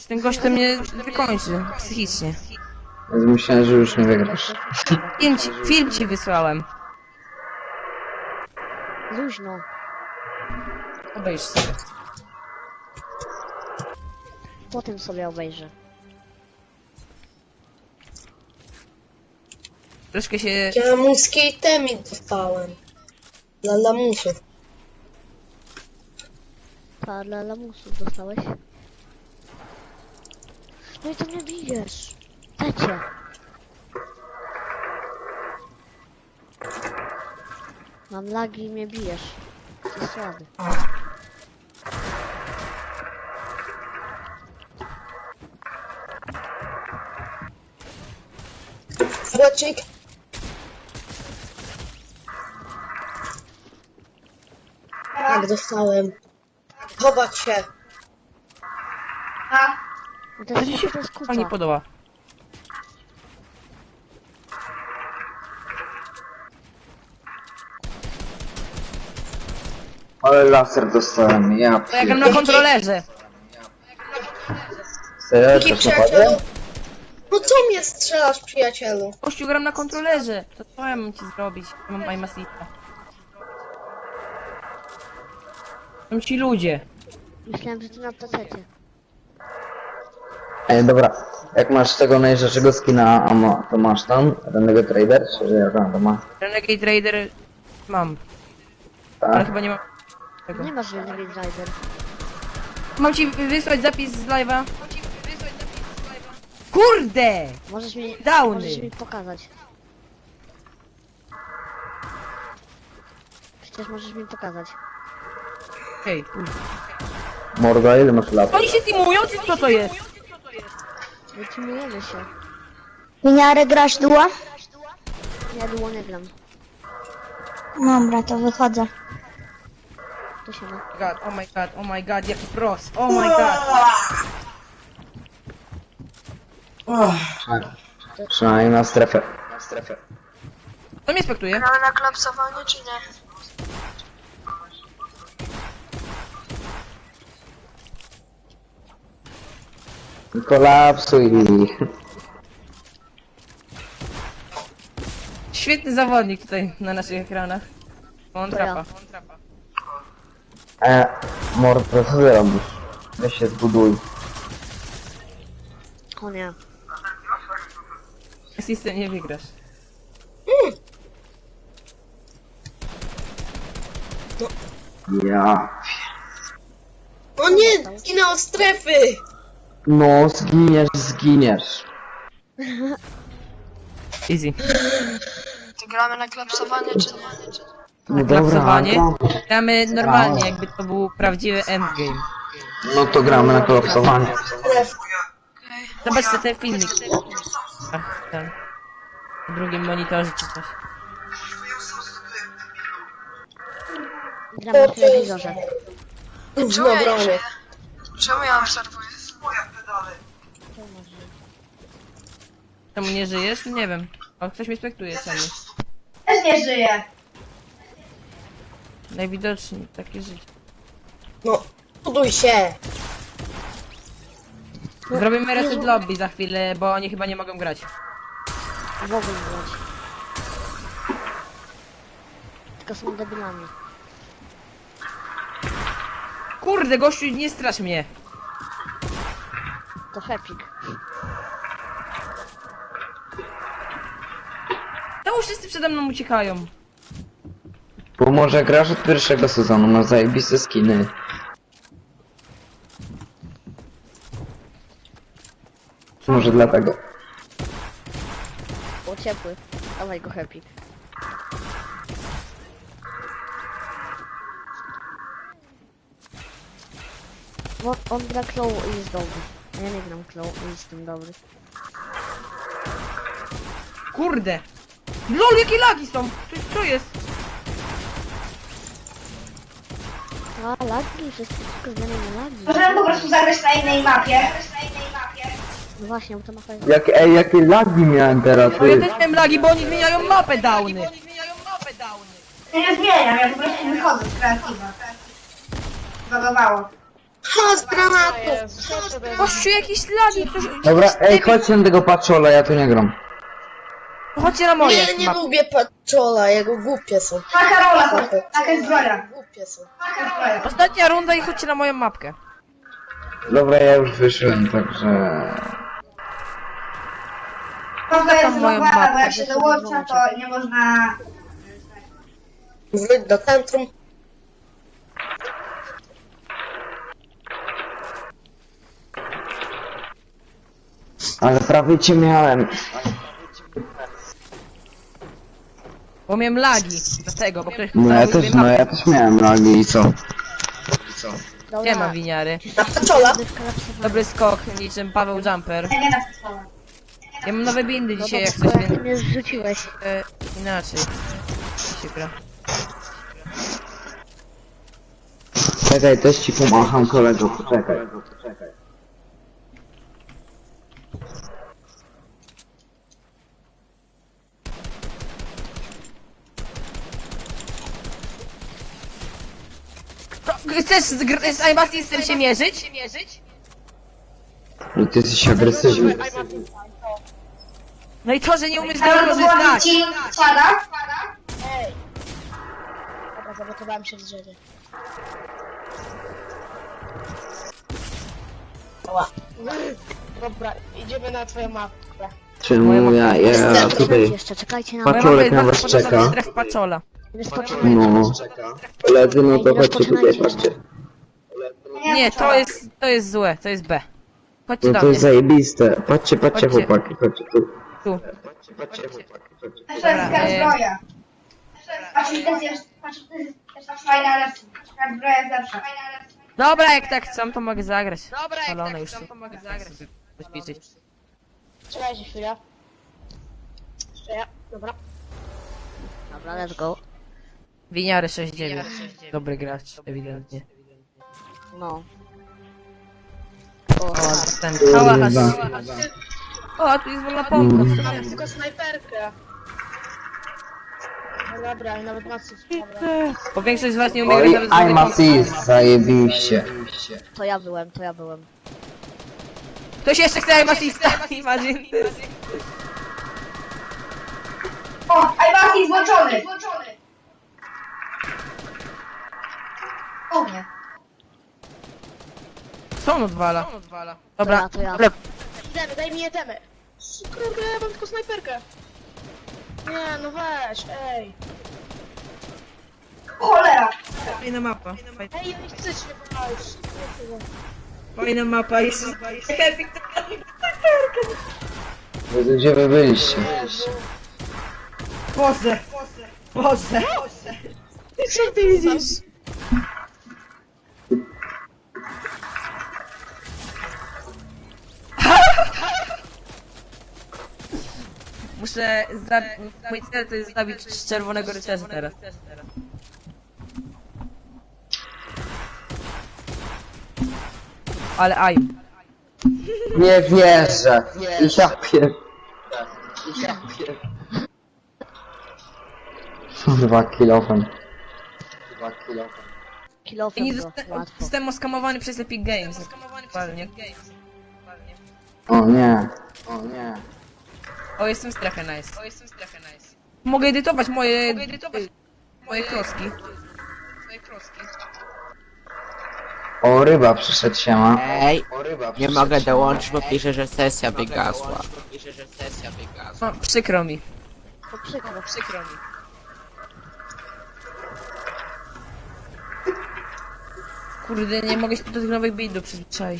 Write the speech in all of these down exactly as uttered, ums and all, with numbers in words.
Ten gość to mnie wykończy psychicznie. Więc myślałem, że już nie wygrasz. Film ci, film ci wysłałem. Luźno. Obejrz sobie. Potem sobie obejrzę. Troszkę się... Ja lamuskiej temi dostałem. Dla lamusów. Pa, dla lamusów dostałeś? No i to mnie bijesz. Dajcie. Mam lagi i mnie bijesz. Jesteś słaby. Błecznik. Tak, dostałem. Chować się. No to jest, Mi się to jest to nie kuca. podoba. Ale laser dostałem, ja To ja gram na kontrolerze. Serio, Jaki to przyjacielu? naprawdę? No co mnie strzelasz, przyjacielu? Kościół, gram na kontrolerze. To co ja mam ci zrobić? Ja mam aim'assista. Są ci ludzie. Myślałem, że ty na pacecie. Ej, dobra. Jak masz tego najrzeczego skina, a ma, to masz tam? Rennego Trader? Czy że jak on to ma? Renegade Raider mam, ale Tak? chyba nie mam tego. Nie masz Renegade Rider. Mam ci wysłać zapis z live'a? Kurde! Możesz mi, Downy. możesz mi pokazać. Przecież możesz mi pokazać. Hej, kurde. Morda, ile masz lat? Oni się teamują, czy co to jest? Wytrzymujemy się. Miniarę grasz duła? Ja długo nie gram. Dobra, to wychodzę. To się ma. God, oh my god, oh my god, jaki pros, oh my god. Przynajmniej na strefę. Na strefę. To mnie spektuje? Gramy na klapsowanie, czy nie? Kolapsuj. Świetny zawodnik tutaj na naszych ekranach. On To ja. trapa, on trapa. E, Mordo, co ty robisz? Weź się zbuduj. O nie. Asystę nie wygrasz. Ja. O nie, zginę od strefy! No, zginiesz, zginiesz. Easy. To gramy na klapsowanie, czy nie? No Klapsowanie. dobra. Gramy normalnie, jakby to był prawdziwy endgame. No to gramy na kolapsowanie. Zobaczcie ten filmik. Ach, ten. Na drugim monitorze czy coś. Gram na telewizorze. Czemu ja nie Czemu ja obserwuję? Czemu nie żyjesz? Nie wiem. O, ktoś mnie spektuje, czemu? Też nie żyję. Najwidoczniej takie życie. No, buduj się! Zrobimy reset lobby za chwilę, bo oni chyba nie mogą grać. W ogóle grać. Tylko są debilami. Kurde, gościu, nie strasz mnie. To Hepik. Czemu wszyscy przede mną uciekają? Bo może grasz od pierwszego sezonu, masz zajebiste skiny. Może dlatego. Było ciepły. Dawaj go Hepik. Bo on gra Claw i jest dobry. A ja nie gram Claw i jestem dobry. Kurde. LOL, jakie lagi są? Co, co jest? A lagi, wszystko zmiany na lagi. Możemy po prostu zagrać na innej mapie. No właśnie, bo to mapa jest... Jak, ej, jakie lagi miałem teraz, No ja ty. też miałem lagi, bo oni zmieniają mapę downy. Ja nie zmieniam, ja po prostu wychodzę z kreatywa. Zagowało. Ha, z granatu! Kościół jakiś lagi, ktoś... Dobra, ej, chodźcie na tego patrzola, ja tu nie gram. Chodźcie na moje. Nie, nie mapy. lubię paczola, jego głupie są. Ma Karola, chodź. Taka jest zbroja. Głupie są. Taka zbroja. Ostatnia runda i chodźcie na moją mapkę. Dobra, ja już wyszłem, także... Mapka jest Tam moją zbroja, bo mapkę, jak się dołącza, to nie można... Wróć do centrum. Ale prawie cię miałem. Bo miałem lagi. Dlatego, bo ktoś... No ja cały też, sobie no ja też miałem lagi i co? Nie ma winiary. Na paczola. Dobry skok, niczym Paweł Jumper. Ja nie na przykład. Ja mam nowe bindy dzisiaj, jak No coś, ty więc mnie zrzuciłeś. e, inaczej się gra. Czekaj, też ci pomacham kolego, poczekaj. To, chcesz z, gr- z Imasistem się mierzyć? Że ty jesteś agresywny. No i to, że nie umiesz Ale tego to była korzystać. ci spada? Dobra, zablokowałem się w drzewie. Dobra, idziemy na twoją mapkę. Czemu ja, ja tutaj... Jeszcze czekajcie na Moja mapa Paczolek jest na bardzo was podobna do czeka. stref Paczola. Wyskoczymy. No. Koledzy, no to chodźcie tutaj, patrzcie. Nie, to jest, to jest złe, to jest B. Chodźcie No do to mnie. jest zajebiste. Patrzcie, patrzcie Chodźcie. chłopaki, chodźcie tu. Tu. Jeszcze jest Dobra, taka e- zbroja. Patrz, to jest patrz, to jest też fajna, ale taka zbroja jest lepsza. Dobra, jak tak chcą, to mogę zagrać. Dobra, jak tak chcą, to mogę zagrać. Poćwiczyć. Czekajcie chwilę. Jeszcze ja. Dobra. Dobra, let's go. Winiary sześć dziewięć. Dobry gracz, ewidentnie. No. O, ten hałas. O, a tu jest wolna pompa. Mm. Tylko snajperkę. No dobra, i nawet macy. Bo większość z was nie umie Oj, grać nawet z I'm wolnej pompy. assist, zajebiście. To ja byłem, to ja byłem. Ktoś jeszcze chce I'm assista, imagine. O, Iwasi złączony! O nie. Co on odwala? To Dobra, ja, to ja. ale Idziemy, daj mi jetemy. Kurde, ja mam tylko snajperkę. Nie, no weź, ej. Cholera! fajna mapa. Ej, ja nie chcę się wybrać. Fajna mapa jest. Jezu, gdzie wy byliście? Boże! Boże! Co ty widzisz? Muszę zabić... Mój cel to jest zabić czerwonego rycerza teraz. Ale aj. Nie wierzę. Ja pier... Kurwa, kilofem. Ja Kilofem nie go, zosta- łatwo. zostałem oskamowany przez Epic Games. Dokładnie. O nie. O nie. O, jestem strefę nice. O, jestem strefę nice. Mogę edytować moje... Mogę edytować moje kroski. Moje kroski. O, ryba przyszedł się ma. Ej, nie mogę dołączyć, bo pisze, że sesja wygasła. No, przykro mi. To przykro. Przykro mi. Kurde, nie mogę się do tych nowych buildów przyzwyczaić.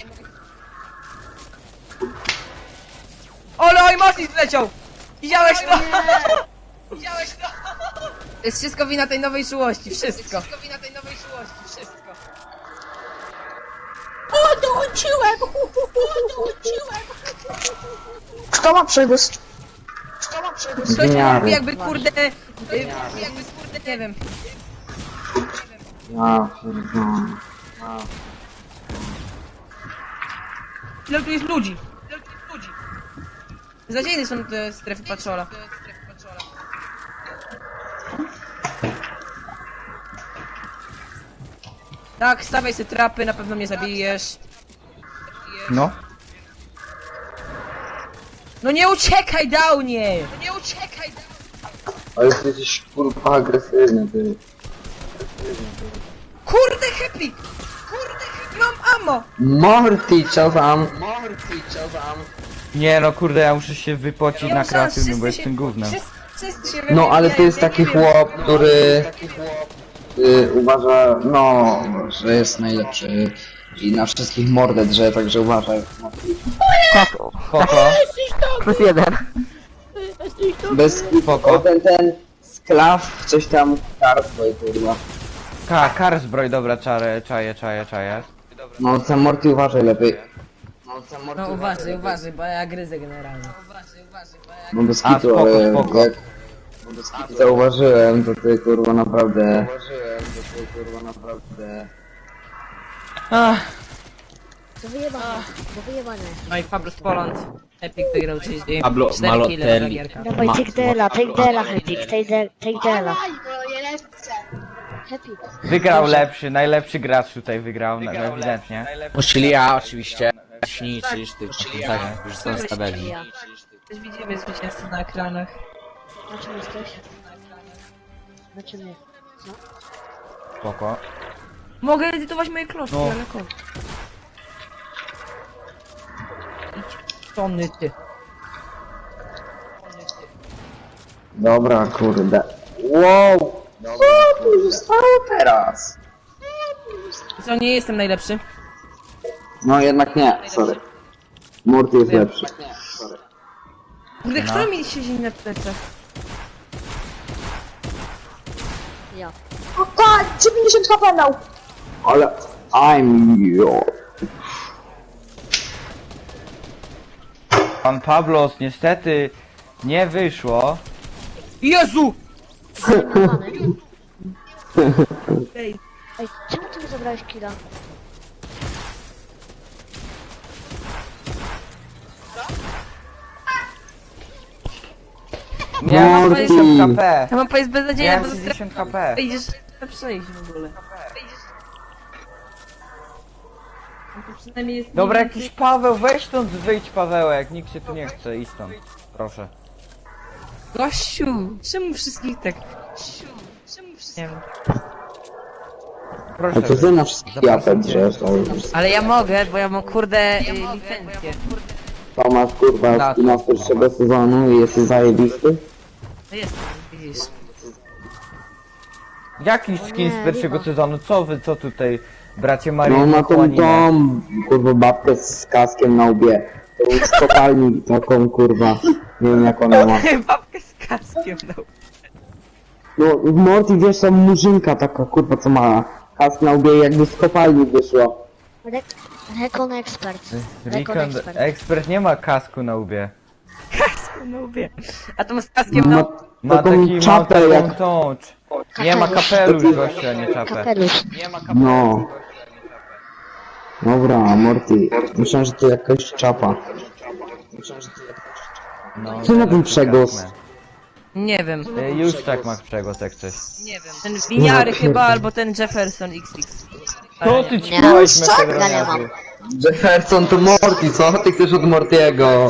Ole, oj, Mortis zleciał! Widziałeś to? Widziałeś to? To jest wszystko wina tej nowej czułości, wszystko. Wszystko wina tej nowej czułości, wszystko. Odłączyłem! Odłączyłem! Kto ma przegłos? Ktoś Zmiary. mówi jakby kurde... y, Jakby kurde, nie wiem. Ja pierdolę. Ile tu jest ludzi? Ile tu jest ludzi? Zadziejne są te strefy patrola. Tak, stawiaj sobie trapy, na pewno mnie zabijesz. No. No nie uciekaj, Downie! No nie uciekaj, Ale ty jesteś kurwa agresywny, ty. Kurde, Happy! Kurde, Happy, mam ammo! Morty, co tam? Morty, co tam? Nie no kurde, ja muszę się wypocić Ja na muszę- kreatywnym, wszyscy bo się- jestem gównem. wszyscy- wszyscy się No ale to jest wymieniają, taki ja nie wiem. chłop, który y, uważa, no, że jest najlepszy i na wszystkich mordę drze, także uważaj. Spoko. Plus jeden. Bez Spoko. ten, ten sklaw, coś tam, karstwo i kurwa. Ka, kar zbroj, dobra, czarę, czaję, czaję, czaję. No, Sam Morty uważaj lepiej. No, Sam Morty No uważaj, uważaj, bo ja gryzę generalnie. Uważaj, uważaj, bo ja... No bez A, kitu, spoko, ale spoko. jak zauważyłem, to ty kurwa naprawdę... Zauważyłem, to ty kurwa naprawdę... Ach, Do wyjebania, do wyjebania. No i Fabrus Poland. Epic wygrał trzydzieści Pablo cztery Malotelli. kile za gierka. Dawaj, take Dela, take Dela, Happy, take De- take Dela. Aj, bo je lepsze. Happy. wygrał lepszy, najlepszy gracz tutaj wygrał, na, ewidentnie. Czyli ja oczywiście. Śni, czyż ty, tak, już są z tabeli. Ja. Też widzimy zwycięzcę na ekranach. Na czym jesteś? Na czym nie? Spoko. Mogę edytować moje kloszki, No. ale kod. Idź. Tony ty. Dobra, kurde. Wow! Co tu zostało teraz? Co, nie jestem najlepszy? No jednak nie, sorry. Morty jest Wiem. lepszy. Kurde, No. kto mi siedzi na plecach? Ja. O tak, dziewięćdziesiąt H P dał. Ale... I'm your... Pan Pablos niestety nie wyszło. Jezu! Zajmowany. Ej, Ej, czemu ty mi zabrałeś killa? Miałem Morty. sześćdziesiąt H P. ja mam powiedzieć beznadziejnie, bo Miałem to sześćdziesiąt H P. idziesz na przejść w ogóle. No to przynajmniej jest Dobra, mniej jakiś więcej- Paweł, weź stąd wyjdź Pawełek, nikt się tu nie chce, idź stąd. Proszę. Gościu, czemu wszystkich tak? Gościu, czemu wszystkich... Nie wiem. Proszę. A to ty na wszystkich japę drzesz, ale... Ale ja mogę, bo ja mam kurde y, licencję. To masz kurwa Tak. skina z pierwszego sezonu i jesteś zajebisty? No jest, widzisz. Jaki skin z pierwszego sezonu? Co wy, co tutaj, bracie No Marii ma tą tą kurwa babkę z kaskiem na łbie. To z kopalni taką kurwa. Nie wiem jak ona ma. Babkę z kaskiem, no. No w Morty wiesz tam murzynka taka kurwa co ma kask na łbie jakby z kopalni wyszło. Re Recon Expert. Recon Recon Expert. Expert nie ma kasku na łbie. No mówię. A to z kaskiem, no. Ma Ma taką taki, ma czapę taką jak... tą... Nie ma kapelusz gościa, nie czapę. Kapelusz. No. Dobra, Morty. Myślałem, że to jakaś czapa. No, Co ma ten przegłos? Nie wiem. Y, Już tak ma przegłos jak coś. Nie wiem. Ten winiary chyba, albo ten Jefferson X X. Co ty ci Nie. dałeś Ja nie metodoniazu? mam. Jefferson to Morty, co ty chcesz od Mortiego?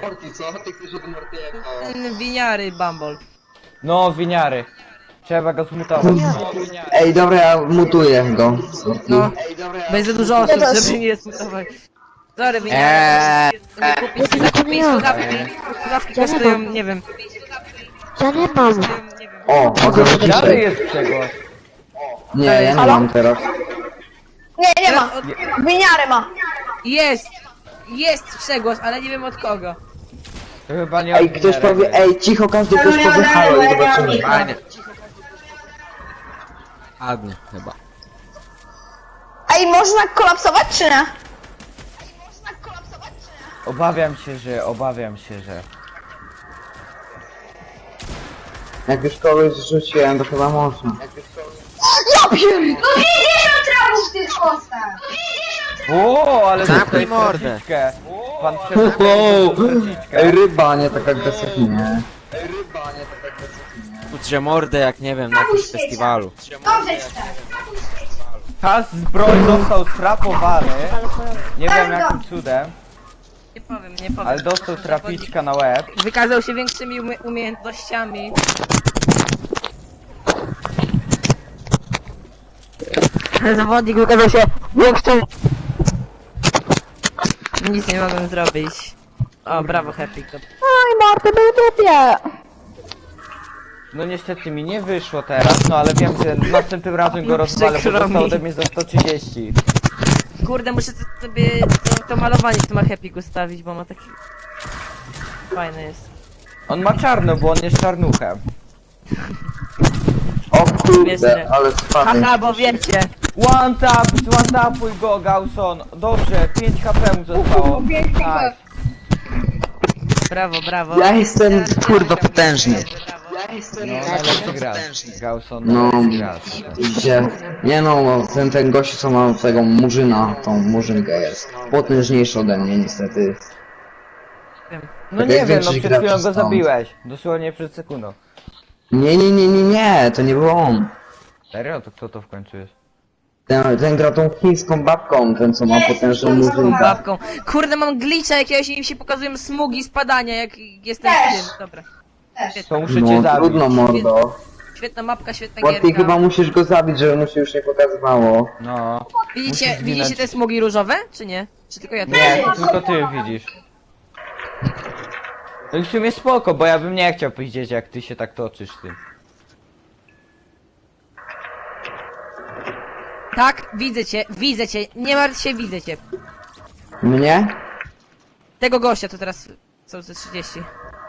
Ten winiary Bumble. No, winiary. Trzeba go zmutować. Ej, dobra, ja mutuję go. No. Będzie za dużo osób, żeby nie smutować. Sorry, winiary. Eee. Kupić zakupić słuchawki. Słuchawki kosztują, nie wiem. Ja nie mam. O, o Winiary jest przegłos. Nie, ja nie mam teraz. Nie, nie ma. Winiary ma. Jest! Jest przegłos, ale nie wiem od kogo. To chyba nie Ej, od ktoś winiarek powie, jest. ej, cicho, każdy ktoś powie halo i zobaczymy. Fajnie. Ładnie, chyba. Ej, można kolapsować czy nie? Obawiam się, że, obawiam się, że... Jak już kogoś rzuciłem, to chyba można. Ja pierdolę! No pięćdziesiąt trafów w tych kostach! O, ale Zamknij dostałeś mordę. straciczkę. Pan Wow. przepraszam, Ej, ryba, nie tak agresywnie. Udrze mordę jak nie wiem, na jakimś festiwalu. Dobrze ci tak. Ta zbroj został strapowany. Nie wiem jakim cudem, Nie powiem, nie powiem. ale dostał trapiczka na łeb. Wykazał się większymi umie umiejętnościami. Zawodnik wykazał się większym... Nic nie mogłem zrobić. O, brawo Happy. No niestety mi nie wyszło teraz, no ale wiem, że następnym razem go rozwalę, bo Przykro dostał mi. ode mnie za sto trzydzieści. Kurde, muszę sobie to, to malowanie w tym Happy ustawić, bo ma taki... Fajny jest. On ma czarno, bo on jest czarnuchem. O kurde, Śmieszne. ale spadłem. Haha, bo wiecie! One tap, one tapuj go, Gauson. Dobrze, pięć H P mu zostało. Nice. Brawo, brawo. Ja jestem kurwa potężny. No, najlepszy gracz. Gauson, No, najlepszy gracz. gdzie? Nie no, ten, ten gościu co ma tego murzyna, tą murzynkę jest potężniejszy ode mnie niestety. No Tak nie jak wiem, no większość przed chwilą graczy go stąd. zabiłeś. Dosłownie przed sekundą. Nie, nie, nie, nie, nie, to nie był on. Serio? To kto to w końcu jest? Ten, ten gra tą chińską babką, ten co ma potężną murzynkę. Babką. Kurde, mam glitcha jakiegoś i mi się pokazują smugi spadania, jak jestem w tym. Dobra. To muszę cię No zabić. trudno mordo. Świetna mapka, świetna Bo ty gierka. chyba musisz go zabić, żeby mu się już nie pokazywało. No. Widzicie, musisz widzicie zginąć. te smugi różowe, czy nie? Czy tylko ja to Nie, to tylko ty widzisz. No i w sumie spoko, bo ja bym nie chciał powiedzieć jak ty się tak toczysz tym. Tak, widzę cię, widzę cię, nie martw się, widzę cię. Mnie? Tego gościa to teraz są ze trzydzieści.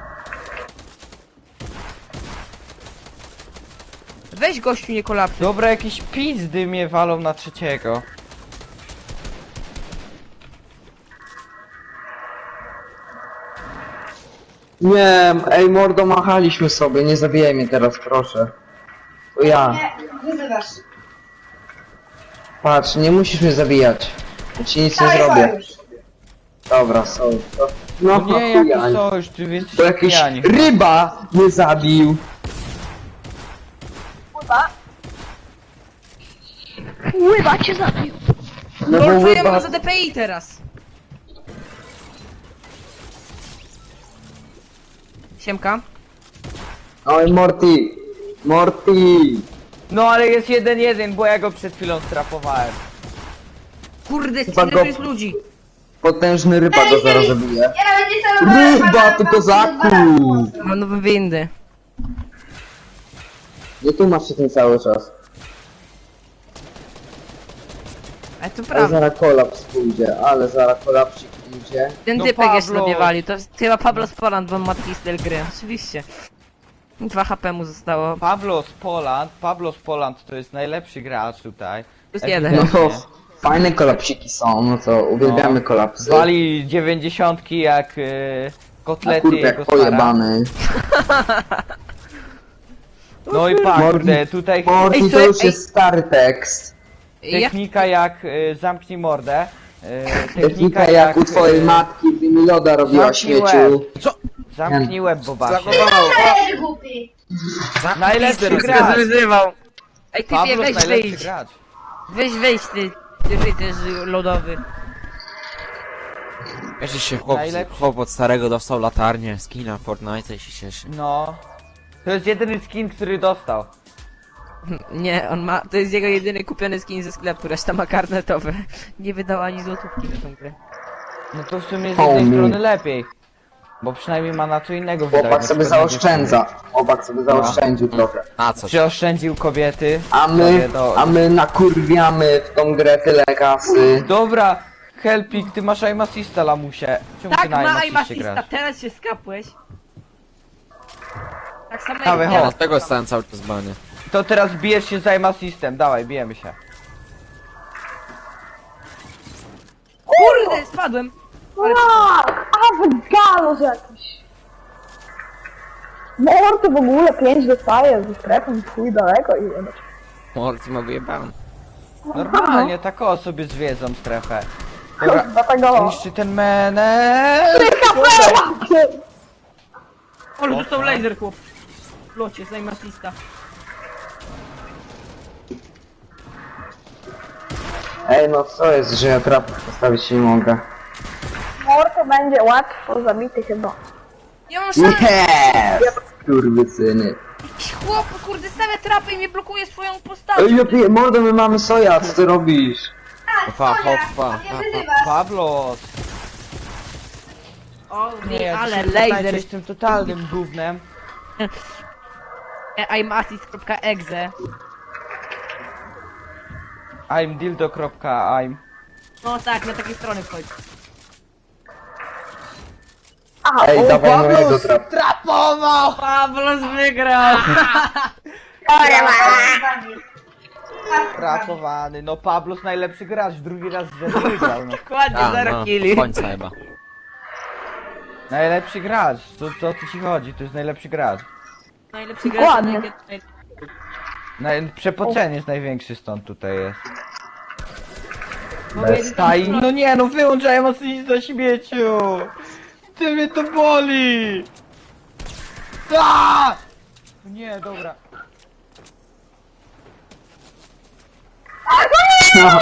Weź gościu, nie kolapsuj. Dobra, jakieś pizdy mnie walą na trzeciego. Nie, ej mordo, machaliśmy sobie, nie zabijaj mnie teraz, proszę. To ja. Nie, wyzywasz. Patrz, nie musisz mnie zabijać. Ja ci nic nie Dawaj zrobię. sojusz. Dobra, są. To... No No nie, chuja, jaki sojusz, ty jesteś To jakiś pijani. ryba mnie zabił. Łyba cię zabił. No bo Golfujemy ryba... za D P I teraz. Siemka. Oj, Morty. Morty. No ale jest jeden jeden, bo ja go przed chwilą strapowałem. Kurde, Chyba ile go- to jest ludzi? Potężny ryba go zaraz zabije. Ja nawet nie celowałem. Ryba, ty kozaku! Mam nowe windy. Nie tu masz się ten cały czas. Ale to Ale prawda. zaraz kolaps pójdzie, ale zaraz kolapsik pójdzie. Ten No typek jest Pablo. sobie wali, to jest chyba Pablo z Poland, bo on ma taki styl gry, oczywiście. dwa H P mu zostało. Pablo z Poland, Pablo z Poland to jest najlepszy gracz tutaj. Plus jeden. No Ewidentnie. to fajne kolapsiki są, no to uwielbiamy kolapsy. Wali dziewięćdziesiątki jak yy, A kotlety kurde, jego jak stara. pojebany. No i pa, Morty- kurde, tutaj Morty, Ej, to słuchaj, już ej. jest stary tekst. Jak technika jak y, zamknij mordę. Y, Technika jak u twojej y, matki, gdy mi loda robiła zamknij śmieciu. Zamknij łeb, bobasie. Eee, głupi. Najlepszy gracz gracz. wyzywał. Ej, typie, Pablo weź najlepszy wyjdź. gracz. Weź wyjdź, ty. Ty rycerz lodowy. Wiesz, że się chłop, Najlepszy. chłop od starego dostał latarnię, skina Fortnite i się cieszy. No. To jest jedyny skin, który dostał. Nie, on ma, to jest jego jedyny kupiony skin ze sklepu, reszta ma karnetowe. Nie wydał ani złotówki na tą grę. No to w sumie z jednej Homie. strony lepiej. Bo przynajmniej ma na co innego wydać. Chłopak na sobie przykład na zaoszczędza. Chłopak sobie zaoszczędził trochę. Na coś. Przyoszczędził kobiety. A my, sobie do- a my nakurwiamy w tą grę tyle kasy. Dobra, Helpik, ty masz aim assista, lamusie. Czemu ty Tak, na aim ma assistie aimastista, grasz? teraz się skapłeś. Tak samo Dawaj, jak chodź. ja. Dlatego stałem cały czas w banie. To teraz bijesz się z aim assistem, dawaj, bijemy się. Kurde, spadłem. Ale A, wygalos jakiś. Morty w ogóle pięć dostaje ze strefą, chuj daleko i jebać. Morty ma wyjebany. Normalnie, tak o sobie zwiedzą strefę. Dobra, Dlatego... niszczy ten menel. ale dostał laser, chłop. W locie, z aimastista. Ej, no co jest, że ja trap postawić nie mogę? Mor to będzie łatwo zabity chyba. Ja mam szansę! Yes! Kurwysyny. Jakiś chłop, kurde, stawia trapy i mnie blokuje swoją postacią. Ej, ja piję, mordo, my mamy soja, co ty robisz? Hopa, hopa, Nie hopa. wyzywasz. Pablos! O, Nie, ale ty się laser. tutaj z tym totalnym gównem. imassist.exe. I'm dildo.im. No tak, na takiej strony wchodź. Ej, dawaj mojego trap. Trapował! Pablos wygrał! Trapowany, no Pablos najlepszy gracz, drugi raz z rzędu wygrał, no. Dokładnie, A, zero no, killi. końca chyba. Najlepszy gracz, co, co tu ci chodzi, to jest najlepszy gracz. Najlepszy Dokładnie. gracz. Naj... Przepoczenie jest największy stąd tutaj jest. Bez Staj, no nie, no wyłączaj mocniej za śmieciu! Ty mnie to boli! Aaaa! Nie, dobra. No.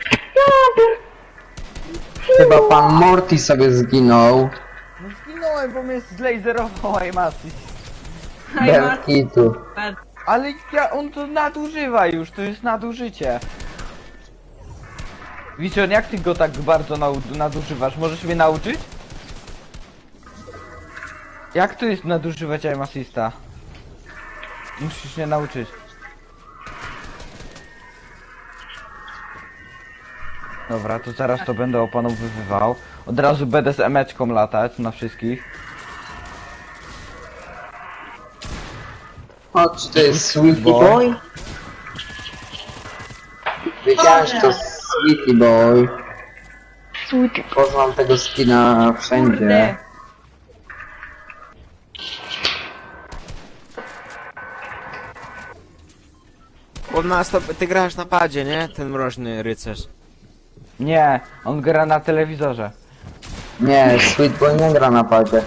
Chyba pan Morty sobie zginął. No zginąłem, bo mnie zlaserował Imassy. Bez kitu. Ale ja, on to nadużywa już, to jest nadużycie. Wiczon, jak ty go tak bardzo nau- nadużywasz? Możesz mnie nauczyć? Jak to jest nadużywać Imassista? Musisz mnie nauczyć. Dobra, to zaraz to będę opanowywał. Od razu będę z emeczką latać na wszystkich. O, czy to jest Sweetie Boy? Wiedziałem, że to Sweetie Boy. Poznam tego skina wszędzie. Kurde. On ma stop... Ty grasz na padzie, nie? Ten mroźny rycerz. Nie, on gra na telewizorze. Nie, Sweet Boy nie gra na padzie.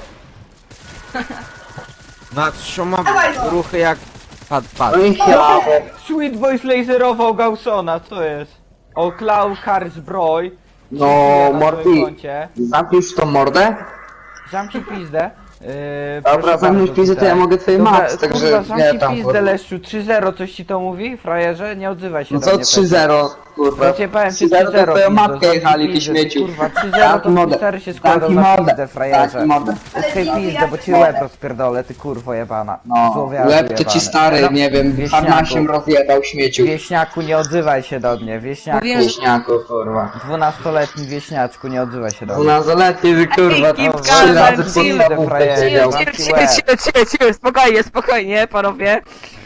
No, on ma ruchy jak... Pad, pad. No i ja. Sweet Boy laserował Gaussona, co jest? O, Klau Karsbroy. No, na Morty, swoim koncie. zamkniesz tą mordę? Zamknij pizdę. Yy, Dobra, proszę zamknij bardzo, pizdę, to ja tutaj. mogę twoje Dobra, max, także kurwa, nie zamknij tam, pizdę, kurwa. Leszczu, trzy zero, coś ci to mówi? Frajerze? Nie odzywaj się No do co mnie. trzy zero, kurwa? Ja cię powiem, trzy czy zero trzy zero to twoją pizdo, matkę zamknij jechali, ty pizdę, śmieciu. Kurwa, trzy zero to Zamknij cztery się składa Zamknij na mordę. pizdę, frajerze. Zamknij mordę. Okej, pizdę, bo ci łeb rozpierdolę, ty kurwo jebana. No, Złowiarzu łeb to ci jebany. stary, nie wiem, Wieśniaku. harnasiem rozjebał śmieciu. Wieśniaku, nie odzywaj się do mnie, wieśniaku. Mówiłem, Wieśniaku, kurwa. Dwunastoletni wieśniaczku, nie odzywaj się do mnie. Dwunastoletni, że kurwa, Keep to calm trzy razy and chill, podstawówkę frajerze. siedział. Cicho, cicho, cicho, cicho, cicho, spokojnie, spokojnie, panowie.